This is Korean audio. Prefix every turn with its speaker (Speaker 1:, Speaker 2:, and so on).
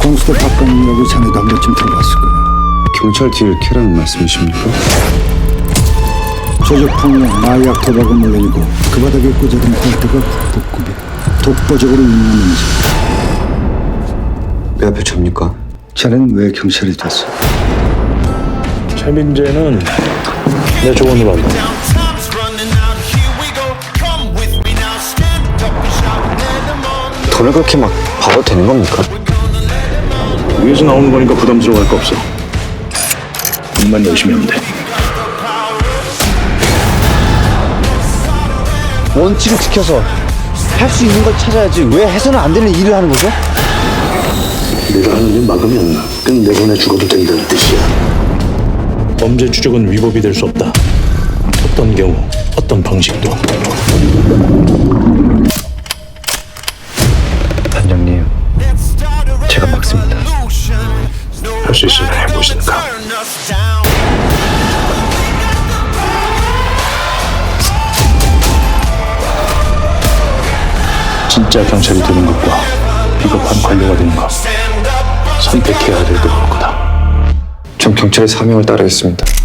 Speaker 1: 공수대 박건이라고 자네도 한 번쯤 들어봤을 거야.
Speaker 2: 경찰 뒤를 캐라는 말씀이십니까?
Speaker 1: 조직폭력, 마약, 도박은 물론이고 그 바닥에 꽂아둔 꼴대가 국보급이야. 독보적으로 운영하는지.
Speaker 2: 내 앞에 접니까?
Speaker 1: 자네는 왜 경찰이 됐어?
Speaker 3: 최민재는 내 조언으로 한다.
Speaker 2: 돈을 그렇게 막 봐도 되는 겁니까?
Speaker 3: 위에서 나오는 거니까 부담스러워할 거 없어. 일만 열심히 하면 돼.
Speaker 4: 원칙을 지켜서 할 수 있는 걸 찾아야지 왜 해서는 안 되는 일을 하는 거죠?
Speaker 3: 내가 하는 일 막으면 끝내보내 죽어도 된다는 뜻이야. 범죄 추적은 위법이 될 수 없다. 어떤 경우, 어떤 방식도.
Speaker 4: 단장님, 제가 막습니다.
Speaker 3: 할 수 있으면 해보시니까. 진짜 경찰이 되는 것과 비겁한 관료가 되는 것 선택해야 될 때일 거다.
Speaker 2: 전 경찰의 사명을 따르겠습니다.